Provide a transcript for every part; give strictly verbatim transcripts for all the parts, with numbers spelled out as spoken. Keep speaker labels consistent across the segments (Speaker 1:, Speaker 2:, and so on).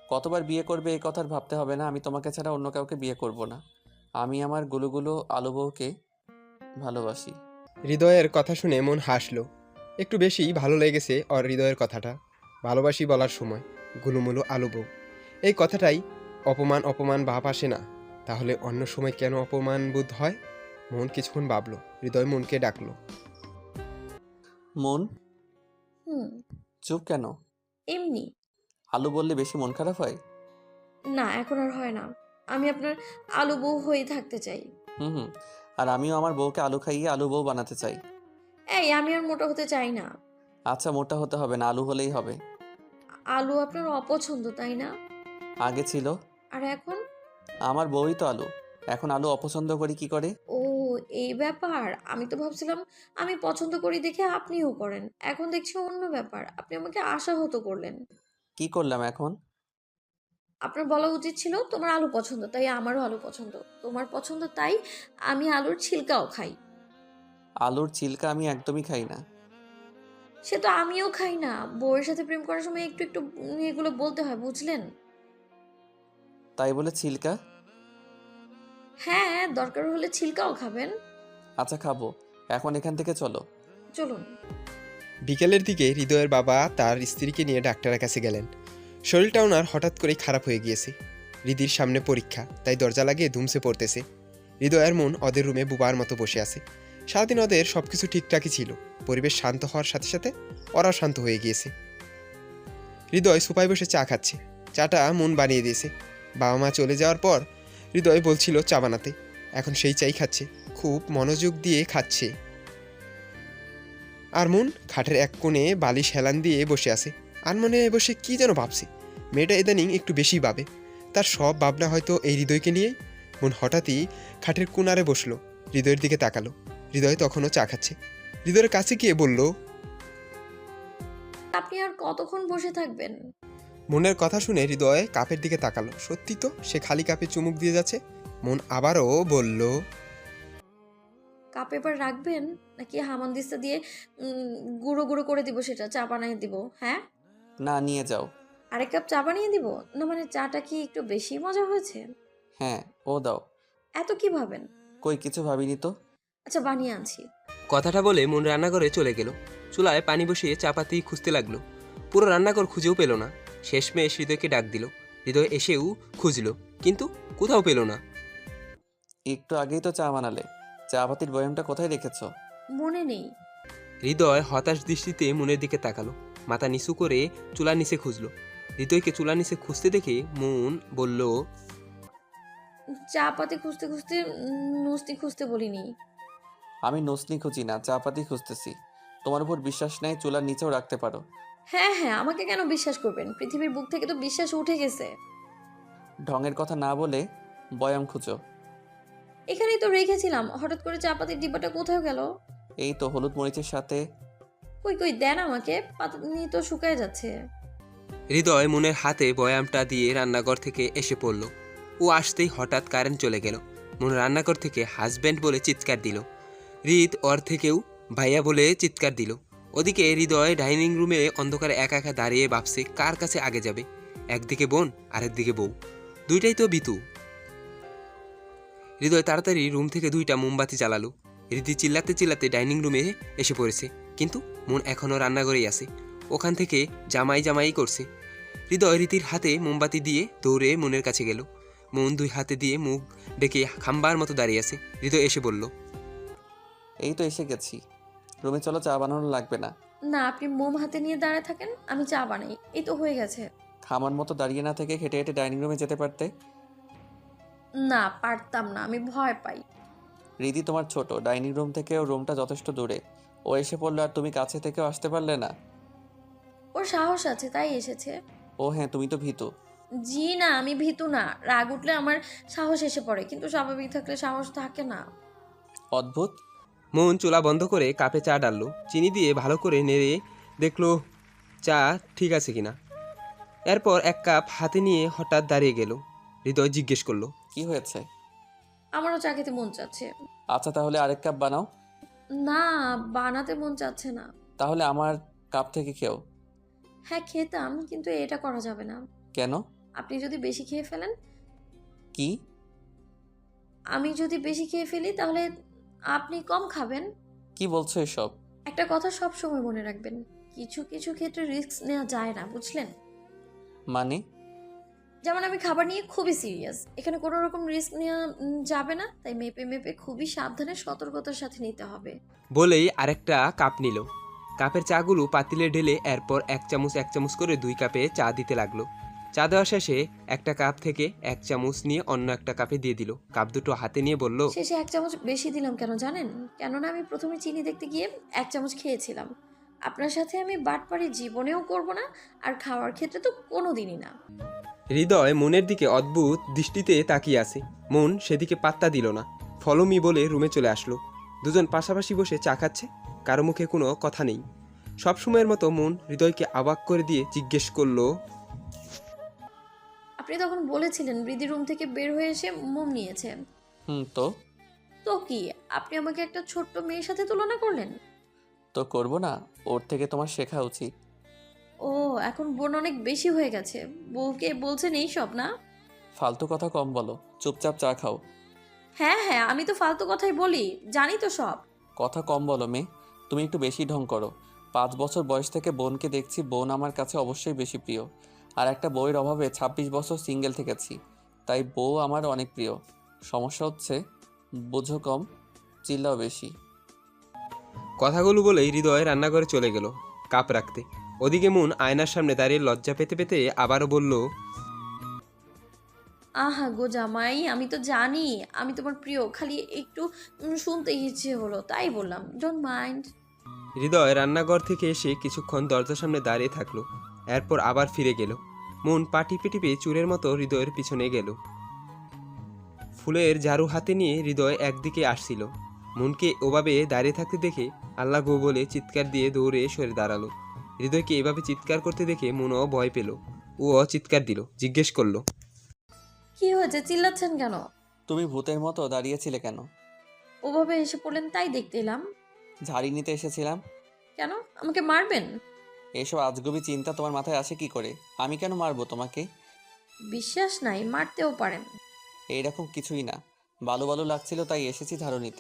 Speaker 1: কতবার বিয়ে করবে এই কথা ভাবতে হবে না। আমি তোমাকে ছাড়া অন্য কাউকে বিয়ে করব না। আমি আমার গুলুগুলো আলু বউকে ভালোবাসি।
Speaker 2: হৃদয়ের কথা শুনে মন হাসল। একটু বেশি ভালো লেগেছে ওর হৃদয়ের কথাটা। ভালোবাসি বলার সময় গুলুমুলু আলু বউ, এই কথাটাই অপমান অপমান ভাব আসে না? তাহলে অন্য সময় কেন অপমান বোধ হয়? মন কিছুক্ষণ ভাবল, হৃদয় মনকে ডাকলো।
Speaker 1: মন,
Speaker 3: হুম।
Speaker 1: চুপ কেন?
Speaker 3: এমনি।
Speaker 1: আলু বললে বেশি মন খারাপ হয়?
Speaker 3: না, এখন আর হয় না। আমি আপনার আলু বউ হয়ে থাকতে চাই।
Speaker 1: হুম হুম। আর আমিও আমার বউকে আলু খাইয়ে আলু বউ বানাতে চাই।
Speaker 3: এই, আমি আর মোটা হতে চাই না।
Speaker 1: আচ্ছা, মোটা হতে হবে না, আলু হলেই হবে।
Speaker 3: আলু আপনার অপছন্দ, তাই না?
Speaker 1: আগে ছিল।
Speaker 3: আর এখন?
Speaker 1: আমার বউই তো আলু। এখন আলু অপছন্দ করি কি করে?
Speaker 3: ও, এই ব্যাপার। আমি তো ভাবছিলাম আমি পছন্দ করি দেখে আপনিও করেন। এখন দেখছি অন্য ব্যাপার। আপনি আমাকে আশাহত করলেন।
Speaker 1: কি করলাম এখন?
Speaker 3: আপনার বলা উচিত ছিল তোমার আলু পছন্দ, তাই আমারও আলু পছন্দ। তোমার পছন্দ তাই আমি আলুর ছিলকাও খাই।
Speaker 1: আলুর ছিলকা আমি একদমই খাই না।
Speaker 3: সে তো আমিও খাই না। বউয়ের সাথে প্রেম করার সময় একটু একটু উম, এগুলো বলতে হয়, বুঝলেন?
Speaker 1: তাই বলে ছিলকা?
Speaker 3: হ্যাঁ, দরকার হলে ছিলকাও খাবেন।
Speaker 1: আচ্ছা, খাবো। এখন এখান থেকে চলো।
Speaker 3: চলুন।
Speaker 2: বিকেলের দিকে হৃদয়ের বাবা তার স্ত্রীকে নিয়ে ডাক্তারের কাছে গেলেন। শরীরটা ওনার হঠাৎ করেই খারাপ হয়ে গিয়েছে। হৃদির সামনে পরীক্ষা, তাই দরজা লাগিয়ে ধুমসে পড়তেছে। হৃদয়ের মন ওদের রুমে বুবার মতো বসে আছে। সারাদিন ওদের সব কিছু ঠিকঠাকই ছিল। পরিবেশ শান্ত হওয়ার সাথে সাথে ওরাও শান্ত হয়ে গিয়েছে। হৃদয় সোফায় বসে চা খাচ্ছে। চাটা মন বানিয়ে দিয়েছে। বাবা মা চলে যাওয়ার পর হৃদয় বলছিল চা বানাতে, এখন সেই চাই খাচ্ছে। খুব মনোযোগ দিয়ে খাচ্ছে। আর মন খাটের এক কোণে বালিশ হেলান দিয়ে বসে আছে। আর মনে বসে কি যেন ভাবছে। মেয়েটা ইদানিং একটু বেশি ভাবে। তার সব ভাবনা হয়তো এই হৃদয়কে নিয়েই। মন হঠাৎই খাটের কোণারে বসলো, হৃদয়ের দিকে তাকালো। হৃদয় তখনও চা খাচ্ছে। হৃদয়ের কাছে গিয়ে বলল,
Speaker 3: আপনি আর কতক্ষণ বসে থাকবেন?
Speaker 2: মনের কথা শুনে হৃদয় কাপের দিকে তাকালো। সত্যি তো, সে খালি কাপে চুমুক দিয়ে যাচ্ছে। মন আবারও বলল,
Speaker 3: কাপ এবার রাখবেন নাকি হামানদিস্তা দিয়ে উম, গুঁড়ো গুঁড়ো করে দিব, সেটা চা বানিয়ে দিব? হ্যাঁ,
Speaker 1: না, নিয়ে যাও।
Speaker 3: আরেক কাপ চা বানিয়ে দিব। না মানে চাটা কি একটু বেশি মজা হয়েছে?
Speaker 1: হ্যাঁ, ও দাও।
Speaker 3: এত কি ভাবেন?
Speaker 1: কই, কিছু ভাবিনি তো।
Speaker 3: আচ্ছা, বানিয়ে আনছি।
Speaker 4: কথাটা বলে মন রান্নাঘরে চলে গেল। চুলায় পানি বসিয়ে চাপাতি খুঁজতে লাগলো। পুরো রান্নাঘর খুঁজেও পেল না। শেষমেশ হৃদয়কে ডাক দিল। হৃদয় এসেও খুঁজলো, কিন্তু কোথাও পেল না।
Speaker 1: একটু আগেই তো চা বানালে। চা পাতির বয়ামটা কোথায় রেখেছো?
Speaker 3: মনে নেই।
Speaker 4: হৃদয় হতাশ দৃষ্টিতে মনের দিকে তাকালো। মাথা নিচু করে চুলার নিচে খুঁজলো। হৃদয়কে চুলার নিচে খুঁজতে দেখে মন বলল,
Speaker 3: চা পাতি খুঁজতে খুঁজতে উম, নুসনি খুঁজতে বলিনি।
Speaker 1: আমি নসনি খুঁজি না, চা পাতি খুঁজতেছি। তোমার উপর বিশ্বাস নেই, চুলার নিচেও রাখতে পারো।
Speaker 3: হ্যাঁ হ্যাঁ, আমাকে কেন বিশ্বাস করবেন? পৃথিবীর বুক থেকে তো বিশ্বাস উঠে গেছে।
Speaker 1: ঢঙের কথা না বলে বয়াম খুঁজো।
Speaker 3: এখানেই তো রেখেছিলাম, হঠাৎ করে চা পাতির ডিব্বাটা কোথায় গেল?
Speaker 1: এই তো হলুদ মরিচের সাথে।
Speaker 3: কই কই দেন আমাকে, পাতা নিয়ে তো শুকায় যাচ্ছে।
Speaker 4: হৃদয় মনের হাতে বয়ামটা দিয়ে রান্নাঘর থেকে এসে পড়ল। ও আসতেই হঠাৎ কারেন্ট চলে গেল। মন রান্নাঘর থেকে হাজব্যান্ড বলে চিৎকার দিল। হৃদ ওর থেকেও ভাইয়া বলে চিৎকার দিল। ওদিকে হৃদয় ডাইনিং রুমে অন্ধকারে একা একা দাঁড়িয়ে ভাবছে কার কাছে আগে যাবে। একদিকে বোন, আরেকদিকে বউ, দুইটাই তো বিতু। হৃদয় তাড়াতাড়ি রুম থেকে দুইটা মোমবাতি জ্বালালো। হৃদি চিল্লাতে চিল্লাতে ডাইনিং রুমে এসে পড়েছে, কিন্তু মন এখনও রান্নাঘরেই আছে। ওখান থেকে জামাই জামাই করছে। হৃদয় রীতির হাতে মোমবাতি দিয়ে দৌড়ে মনের কাছে গেল। মন দুই হাতে দিয়ে মুখ ডেকে খাম্বার মতো দাঁড়িয়ে আছে। হৃদয় এসে বলল,
Speaker 1: এই তো এসে গেছি। রুমে চলো, চা বানানো লাগবে না।
Speaker 3: না, আপনি মোম হাতে নিয়ে দাঁড়ায় থাকেন, আমি চা বানাই। এই তো হয়ে গেছে।
Speaker 1: খামার মতো দাঁড়িয়ে না থেকে হেঁটে হেঁটে ডাইনিং রুমে যেতে পারতে।
Speaker 3: না, পারতাম না, আমি ভয় পাই।
Speaker 1: রিদি তোমার ছোট, ডাইনিং রুম থেকেও রুমটা যথেষ্ট দূরে। ও এসে পড়লো আর তুমি কাছে থেকেও আসতে পারলে না।
Speaker 3: ওর সাহস আছে তাই এসেছে।
Speaker 1: ও হ্যাঁ, তুমি তো ভীতু।
Speaker 3: জি না, আমি ভীতু না। রাগ উঠলে আমার সাহস এসে পড়ে, কিন্তু স্বাভাবিক থাকলে সাহস থাকে না।
Speaker 1: অদ্ভুত।
Speaker 4: মন চুলা বন্ধ করে কাপে চা ডাললো। চিনি দিয়ে ভালো করে নেড়ে দেখলো চা ঠিক আছে কিনা। এরপর এক কাপ হাতে নিয়ে হঠাৎ দাঁড়িয়ে গেল। হৃদয় জিজ্ঞেস করলো,
Speaker 1: কি হয়েছে?
Speaker 3: আমারও চা খেতে মন চাচ্ছে।
Speaker 1: আচ্ছা, তাহলে আরেক কাপ বানাও।
Speaker 3: না, বানাতে মন চাচ্ছে না।
Speaker 1: তাহলে আমার কাপ থেকে খেও।
Speaker 3: হ্যাঁ খেতাম, কিন্তু এটা করা যাবে না।
Speaker 1: কেন?
Speaker 3: আপনি যদি বেশি খেয়ে ফেলেন,
Speaker 1: কি?
Speaker 3: আমি যদি বেশি খেয়ে ফেলি তাহলে আপনি কম খাবেন।
Speaker 1: কি বলছো এসব?
Speaker 3: একটা কথা সব সময় মনে রাখবেন, কিছু কিছু ক্ষেত্রে রিস্ক নেওয়া যায় না, বুঝলেন?
Speaker 1: মানে?
Speaker 3: যেমন আমি খাবার নিয়ে খুবই সিরিয়াস, এখানে কোনো রকম রিস্ক নেওয়া উম, যাবে না, তাই মেপে মেপে খুবই সাবধানে সতর্কতার সাথে নিতে হবে।
Speaker 4: বলেই আরেকটা কাপ নিল। কাপের চাগুলো পাতিলে ঢেলে এরপর এক চামচ এক চামচ করে দুই কাপে চা দিতে লাগলো। চা দেওয়া শেষে একটা কাপ থেকে এক চামচ নিয়ে অন্য একটা কাপে দিয়ে দিল। কাপ দুটো হাতে নিয়ে বলল,
Speaker 3: শেষে এক চামচ বেশি দিলাম কেন জানেন? কেননা আমি প্রথমে চিনি দেখতে গিয়ে এক চামচ খেয়েছিলাম। আপনার সাথে আমি বাটপাড়ি জীবনেও করব না, আর খাওয়ার ক্ষেত্রে তো কোনো দিনই না।
Speaker 4: হৃদয় মনের দিকে অদ্ভুত দৃষ্টিতে তাকিয়ে আছে। মন সেদিকে পাত্তা দিল না। ফলোমি বলে রুমে চলে আসলো। দুজন পাশাপাশি বসে চা খাচ্ছে, কারো মুখে কোনো কথা নেই। সবসময়ের মতো মন হৃদয়কে অবাক করে দিয়ে জিজ্ঞেস করলো,
Speaker 3: আপনি তখন বলেছিলেন বৃদ্ধি রুম থেকে বের হয়ে এসে মোম নিয়েছে।
Speaker 1: হুম, তো
Speaker 3: তো কি আপনি আমাকে একটা ছোট্ট মেয়ের সাথে তুলনা করলেন?
Speaker 1: তো করবো না? ওর থেকে তোমার শেখা উচিত।
Speaker 3: ও, এখন বোন অনেক বেশি হয়ে গেছে, বউকে বলছেন এই সব না?
Speaker 1: ফালতু কথা কম বলো, চুপচাপ চা খাও।
Speaker 3: হ্যাঁ হ্যাঁ, আমি তো ফালতু কথাই বলি, জানি তো সব।
Speaker 1: কথা কম বলো মেয়ে, তুমি একটু বেশি ঢং করো। পাঁচ বছর বয়স থেকে বোনকে দেখছি, বোন আমার কাছে অবশ্যই বেশি প্রিয়। আর একটা বউয়ের অভাবে ছাব্বিশ বছর সিঙ্গেল থেকেছি, তাই বউ আমার অনেক প্রিয়। সমস্যা হচ্ছে বোঝো কম, চিল্লাও বেশি।
Speaker 4: কথাগুলো বলেই হৃদয় রান্নাঘরে চলে গেল কাপ রাখতে। ওদিকে মন আয়নার সামনে দাঁড়িয়ে লজ্জা পেতে পেতে আবারও বলল,
Speaker 3: আহা গো জামাই, আমি তো জানি আমি তোমার প্রিয়, খালি একটু উম, শুনতে ইচ্ছে হলো তাই বললাম, ডোন্ট মাইন্ড।
Speaker 4: হৃদয় রান্নাঘর থেকে এসে কিছুক্ষণ দরজার সামনে দাঁড়িয়ে থাকলো। এরপর আবার ফিরে গেল। মন পা টিপে টিপে চুরের মতো হৃদয়ের পিছনে গেল। ফুলের ঝাড়ু হাতে নিয়ে হৃদয় একদিকে আসছিল। মনকে ওভাবে দাঁড়িয়ে থাকতে দেখে আল্লাহ গো বলে চিৎকার দিয়ে দৌড়ে সরে দাঁড়ালো। হৃদয়কে এভাবে চিৎকার করতে দেখে মনও ভয় পেল। ও চিৎকার দিল, জিজ্ঞেস করলো,
Speaker 3: কি হয়েছে, চিল্লাচ্ছেন কেন?
Speaker 1: তুমি ভূতের মতো দাঁড়িয়েছিলে কেন?
Speaker 3: ওভাবে এসে পড়লেন তাই দেখতে এলাম।
Speaker 1: ঝাড়ি নিতে এসেছিলাম।
Speaker 3: কেন, আমাকে মারবেন?
Speaker 1: এসব আজগুবি চিন্তা তোমার মাথায় আসে কি করে? আমি কেন মারবো তোমাকে?
Speaker 3: বিশ্বাস নাই, মারতেও পারেন।
Speaker 1: এইরকম কিছুই না, বালু বালু লাগছিল তাই এসেছি ঝাড়ু নিতে।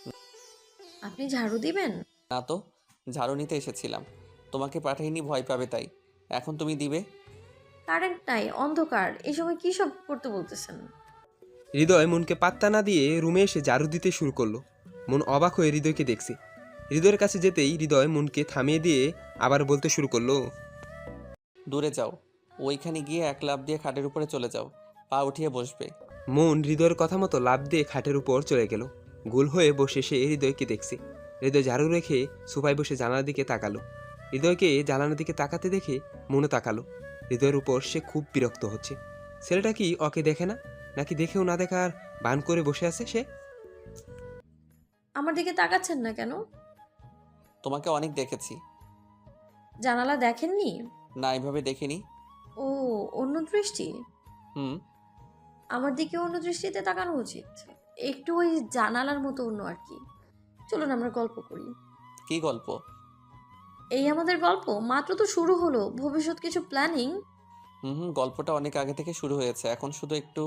Speaker 3: আপনি ঝাড়ু দিবেন?
Speaker 1: না তো, ঝাড়ু নিতে এসেছিলাম। তোমাকে পাঠাইনি ভয় পাবে তাই। এখন তুমি দিবে?
Speaker 3: কারেন্ট নাই, অন্ধকার, এই সময় কি সব করতে বলতেছেন?
Speaker 4: হৃদয় মনকে পাত্তা না দিয়ে রুমে এসে ঝাড়ু দিতে শুরু করলো। মন অবাক হয়ে হৃদয়কে দেখছে। হৃদয়ের কাছে যেতেই হৃদয় মনকে থামিয়ে দিয়ে আবার বলতে শুরু করলো,
Speaker 1: দূরে যাও, ওইখানে গিয়ে এক লাফ দিয়ে খাটের উপরে চলে যাও, পা উঠিয়ে বসবে।
Speaker 4: মন হৃদয়ের কথা মতো লাফ দিয়ে খাটের উপর চলে গেল। গোল হয়ে বসে সে হৃদয়কে দেখছে। হৃদয় ঝাড়ু রেখে সোফায় বসে জানালার দিকে তাকালো। হৃদয়কে জানালার দিকে তাকাতে দেখে মনও তাকালো। হৃদয়ের উপর সে খুব বিরক্ত হচ্ছে। ছেলেটা কি ওকে দেখে না, নাকি দেখেও না দেখার ভান করে বসে আছে সে?
Speaker 3: আমার দিকে তাকাচ্ছেন না কেন?
Speaker 1: তোমাকে অনেক দেখেছি।
Speaker 3: জানালা দেখেননি?
Speaker 1: না, এইভাবে দেখিনি।
Speaker 3: ও, অন্য দৃষ্টি।
Speaker 1: হুম।
Speaker 3: আমার দিকে অন্য দৃষ্টিতে তাকানো উচিত, একটু ওই জানালার মতো অন্য আর কি। চলুন আমরা গল্প করি।
Speaker 1: কি গল্প?
Speaker 3: এই আমাদের গল্প মাত্র তো শুরু হলো, ভবিষ্যৎ কিছু প্ল্যানিং।
Speaker 1: হুম হুম, গল্পটা অনেক আগে থেকে শুরু হয়েছে, এখন শুধু একটু।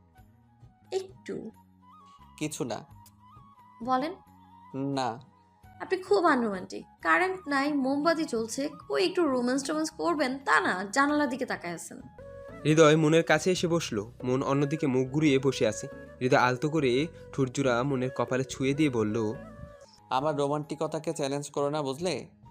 Speaker 3: একটু?
Speaker 1: কিছু না।
Speaker 3: বলেন।
Speaker 1: না।
Speaker 3: আপনি খুব আনরোমান্টিক, কারেন্ট নাই, মোমবাতি চলছে, কই একটু রোম্যান্স টোম্যান্স করবেন তা না, জানালার দিকে তাকায় আছেন।
Speaker 4: হৃদয় মনের কাছে এসে বসলো। মন অন্যদিকে মুখ ঘুরিয়ে বসে আছে। হৃদয় আলতো করে ঠুরজুরা মনের কপালে ছুঁয়ে দিয়ে বলল,
Speaker 1: আমার রোমান্টিকতাকে চ্যালেঞ্জ করো না, বুঝলে?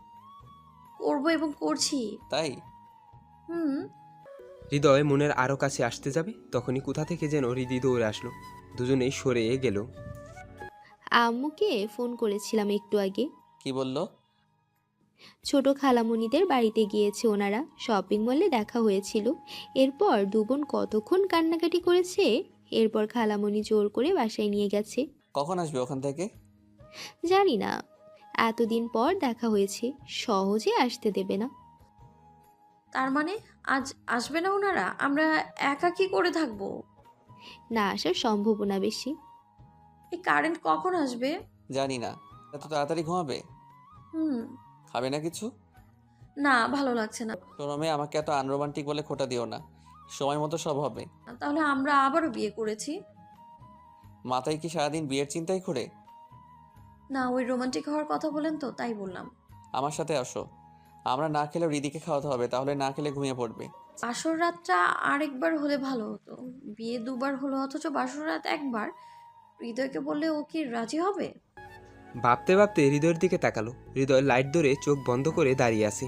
Speaker 3: করবো এবং করছি।
Speaker 1: তাই?
Speaker 3: হুম।
Speaker 4: হৃদয় মনের আরও কাছে আসতে যাবে, তখনই কোথা থেকে যেন হৃদি দৌড়ে আসলো। দুজনেই সরে গেল।
Speaker 5: আম্মুকে ফোন করেছিলাম একটু আগে।
Speaker 1: কি বললো?
Speaker 5: ছোট খালামণিদের বাড়িতে গিয়েছে ওনারা, শপিং মলে দেখা হয়েছিল। এরপর দুবোন কতক্ষণ কান্নাকাটি করেছে। এরপর খালামণি জোর করে বাসায় নিয়ে গেছে।
Speaker 1: কখন আসবে ওখান থেকে?
Speaker 5: জানি না, এতদিন পর দেখা হয়েছে, সহজে আসতে দেবে না।
Speaker 3: তার মানে আজ আসবে না ওনারা? আমরা একা কি করে থাকবো?
Speaker 5: না আসার সম্ভাবনা বেশি।
Speaker 3: এই কারেন্ট কখন আসবে?
Speaker 1: জানি না। এত তাড়াতাড়ি ঘুমাবে?
Speaker 3: হুম।
Speaker 1: খাবে না কিছু?
Speaker 3: না, ভালো লাগছে না।
Speaker 1: শোনো মেয়ে, আমাকে এত আনরোমান্টিক বলে খোটা দিও না। সময় মতো সব হবে।
Speaker 3: তাহলে আমরা আবারও বিয়ে করেছি।
Speaker 1: মাথায় কি সারাদিন বিয়ের চিন্তাই করে?
Speaker 3: না, ওই রোমান্টিক হওয়ার কথা বলেন তো, তাই বললাম।
Speaker 1: আমার সাথে আসো। আমরা না খেলেও রিদিকে খাওয়াতে হবে, তাহলে না খেলে ঘুমিয়ে পড়বে।
Speaker 3: বাসর রাতটা আরেকবার হলে ভালো হতো। বিয়ে দুবার হলো অথচ বাসর রাত একবার। হৃদয়কে বললে ও কি রাজি হবে?
Speaker 4: ভাবতে ভাবতে হৃদয়ের দিকে তাকালো। হৃদয় লাইট ধরে চোখ বন্ধ করে দাঁড়িয়ে আছে।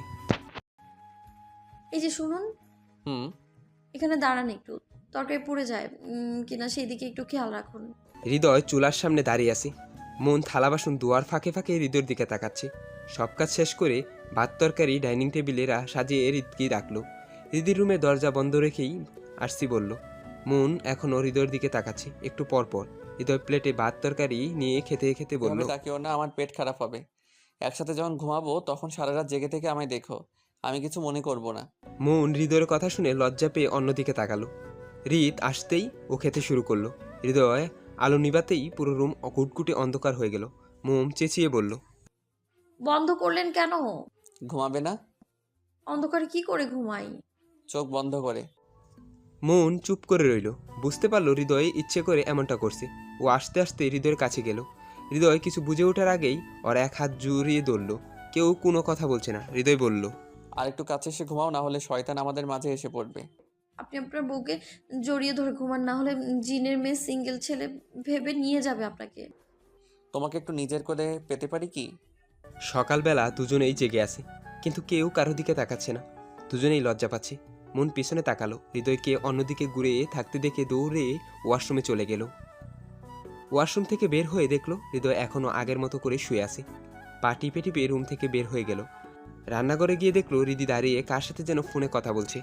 Speaker 3: এই যে শুনুন,
Speaker 1: হুম।
Speaker 3: এখানে দাঁড়ান একটু। তরকারি পুড়ে যায় উম, কিনা সেই দিকে একটু খেয়াল রাখুন।
Speaker 4: হৃদয় চুলার সামনে দাঁড়িয়ে আছে। মন থালা বাসন দুয়ার ফাঁকে ফাঁকে হৃদয়ের দিকে তাকাচ্ছে। সব কাজ শেষ করে ভাত তরকারি ডাইনিং টেবিলে রা- সাজিয়ে হৃদকে ডাকলো। হৃদির রুমে দরজা বন্ধ রেখেই আসছি বলল। মন এখনও হৃদয়ের দিকে তাকাচ্ছে। একটু পর পর হৃদয় প্লেটে ভাত তরকারি নিয়ে খেতে খেতে বলল,
Speaker 1: এভাবে তাকিও না, আমার পেট খারাপ হবে। একসাথে যখন ঘুমাবো তখন সারা রাত জেগে থেকে আমায় দেখো, আমি কিছু মনে করব না।
Speaker 4: মন হৃদয়ের কথা শুনে লজ্জা পেয়ে অন্যদিকে তাকালো। হৃদ আসতেই ও খেতে শুরু করলো। হৃদয় আলো নিবাতেই পুরো রুম কুটকুটে অন্ধকার হয়ে গেল। মোম চেঁচিয়ে বলল,
Speaker 3: বন্ধ করলেন কেন?
Speaker 1: ঘুমাবে না?
Speaker 3: অন্ধকারে কি করে ঘুমাই?
Speaker 1: চোখ বন্ধ করে।
Speaker 4: মন চুপ করে রইল। বুঝতে পারলো হৃদয় ইচ্ছে করে এমনটা করছে। ও আস্তে আস্তে হৃদয়ের কাছে গেল। হৃদয় কিছু বুঝে ওঠার আগেই ওর এক হাত জুড়িয়ে ধরল। কেউ কোনো কথা বলছে না। হৃদয় বলল,
Speaker 1: আর একটু কাছে এসে ঘুমাও, না হলে শয়তান আমাদের মাঝে এসে পড়বে।
Speaker 3: আপনি আপনার বউকে জড়িয়ে ধরে ঘুমান, না হলে জিনের মেয়ে সিঙ্গেল ছেলে ভেবে নিয়ে যাবে আপনাকে।
Speaker 1: তোমাকে একটু নিজের করে পেতে পারি কি?
Speaker 4: সকালবেলা দুজনেই জেগে আছে, কিন্তু কেউ কারো দিকে তাকাচ্ছে না। দুজনেই লজ্জা পাচ্ছে। মন পিছনে তাকালো। হৃদয়কে অন্যদিকে ঘুরে থাকতে দেখে দৌড়ে ওয়াশরুমে চলে গেল। ওয়াশরুম থেকে বের হয়ে দেখলো হৃদয় এখনও আগের মতো করে শুয়ে আছে। পা টিপে টিপে রুম থেকে বের হয়ে গেল। রান্নাঘরে গিয়ে দেখলো হৃদি দাঁড়িয়ে কার সাথে যেন ফোনে কথা বলছে।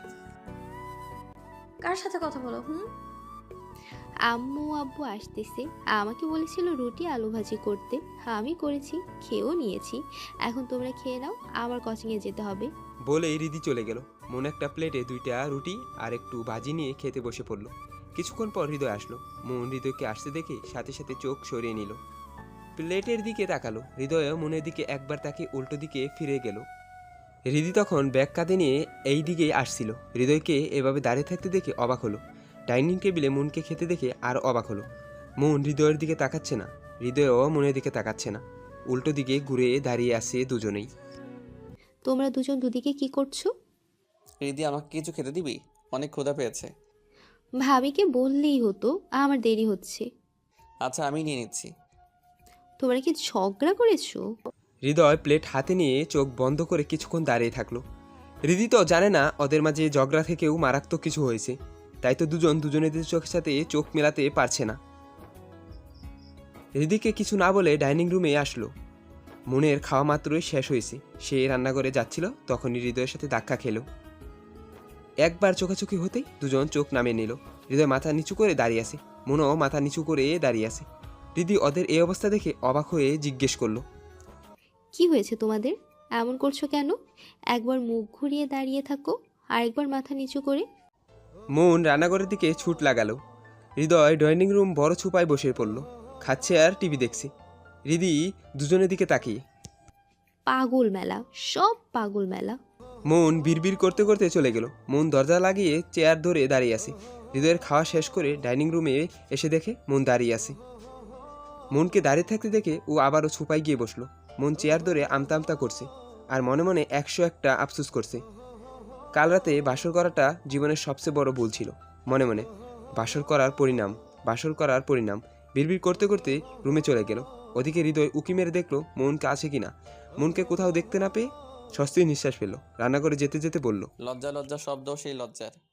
Speaker 3: কার সাথে কথা বলো? হুম,
Speaker 5: আম্মু আব্বু আসতেছে, আমাকে বলেছিল রুটি আলু ভাজি করতে, আমি করেছি, খেয়েও নিয়েছি। এখন তোমরা খেয়ে নাও, আবার কোচিংয়ে যেতে হবে।
Speaker 4: বলেই হৃদি চলে গেল। মন একটা প্লেটে দুইটা রুটি আর একটু ভাজি নিয়ে খেতে বসে পড়লো। কিছুক্ষণ পর হৃদয় আসলো। মন হৃদয়কে আসতে দেখে সাথে সাথে চোখ সরিয়ে নিল। প্লেটের দিকে তাকালো। হৃদয় মনের দিকে একবার তাকে উল্টো দিকে ফিরে গেল। হৃদি তখন ব্যাগ কাঁধে নিয়ে এই দিকেই আসছিল। হৃদয়কে এভাবে দাঁড়িয়ে থাকতে দেখে অবাক হলো। ডাইনিং টেবিলে মনকে খেতে দেখে আর অবাক হলো। মন হৃদয়ের দিকে তাকাচ্ছে না, হৃদয়ও মনের দিকে তাকাচ্ছে না। উল্টো দিকে ঘুরে দাঁড়িয়ে আছে দুজনেই।
Speaker 5: তোমরা দুজন দুদিকে কি করছো?
Speaker 1: রিদি, আমাকে কিছু খেতে দিবি? অনেক ক্ষুধা পেয়েছে।
Speaker 5: ভাবিকে বললেই হতো, আমার দেরি হচ্ছে।
Speaker 1: আচ্ছা, আমি নিয়ে নিচ্ছি।
Speaker 5: তোমরা কি ঝগড়া করেছো?
Speaker 4: হৃদয় প্লেট হাতে নিয়ে চোখ বন্ধ করে কিছুক্ষণ দাঁড়িয়ে থাকলো। হৃদি তো জানে না ওদের মাঝে ঝগড়া থেকেও মারাত্মক কিছু হয়েছে, তাই তো দুজন দুজনের চোখের সাথে চোখ মেলাতে পারছে না। হৃদিকে কিছু না বলে ডাইনিং রুমে আসলো। মনের খাওয়া মাত্রই শেষ হয়েছে। সে রান্নাঘরে যাচ্ছিল, তখনই হৃদয়ের সাথে ধাক্কা খেলো। একবার চোখাচোখি হতেই দুজন চোখ নামিয়ে নিল। হৃদয় মাথা নিচু করে দাঁড়িয়ে আছে, মনও মাথা নিচু করে দাঁড়িয়ে আছে। হৃদি ওদের এই অবস্থা দেখে অবাক হয়ে জিজ্ঞেস করলো,
Speaker 5: কি হয়েছে তোমাদের? এমন করছো কেন? একবার মুখ ঘুরিয়ে দাঁড়িয়ে থাকো, আরেকবার মাথা নিচু করে।
Speaker 4: মন রান্নাঘরের দিকে ছুট লাগালো। হৃদয় ডাইনিং রুম বড় ছুপায় বসে পড়ল, খাচ্ছে আর টিভি দেখছে। হৃদি দুজনের দিকে তাকিয়ে।
Speaker 5: পাগল মেলা, সব পাগল মেলা।
Speaker 4: মন বিড়বিড় করতে করতে চলে গেল। মন দরজা লাগিয়ে চেয়ার ধরে দাঁড়িয়ে আছে। হৃদয়ের খাওয়া শেষ করে ডাইনিং রুমে এসে দেখে মন দাঁড়িয়ে আছে। মনকে দাঁড়িয়ে থাকতে দেখে ও আবারও ছুপায় গিয়ে বসলো। মন চেয়ার ধরে আমতা আমতা করছে আর মনে মনে একশো একটা আফসোস করছে। কাল রাতে বাসর করাটা জীবনের সবচেয়ে বড় ভুল ছিল। মনে মনে বাসর করার পরিণাম বাসর করার পরিণাম বিড়বিড় করতে করতে রুমে চলে গেল। ওদিকে হৃদয় উকি মেরে দেখলো মনকে আছে কিনা। মনকে কোথাও দেখতে না পেয়ে স্বস্তির নিঃশ্বাস ফেলল। রান্নাঘরে যেতে যেতে বলল,
Speaker 1: লজ্জা লজ্জা শব্দ সেই লজ্জার।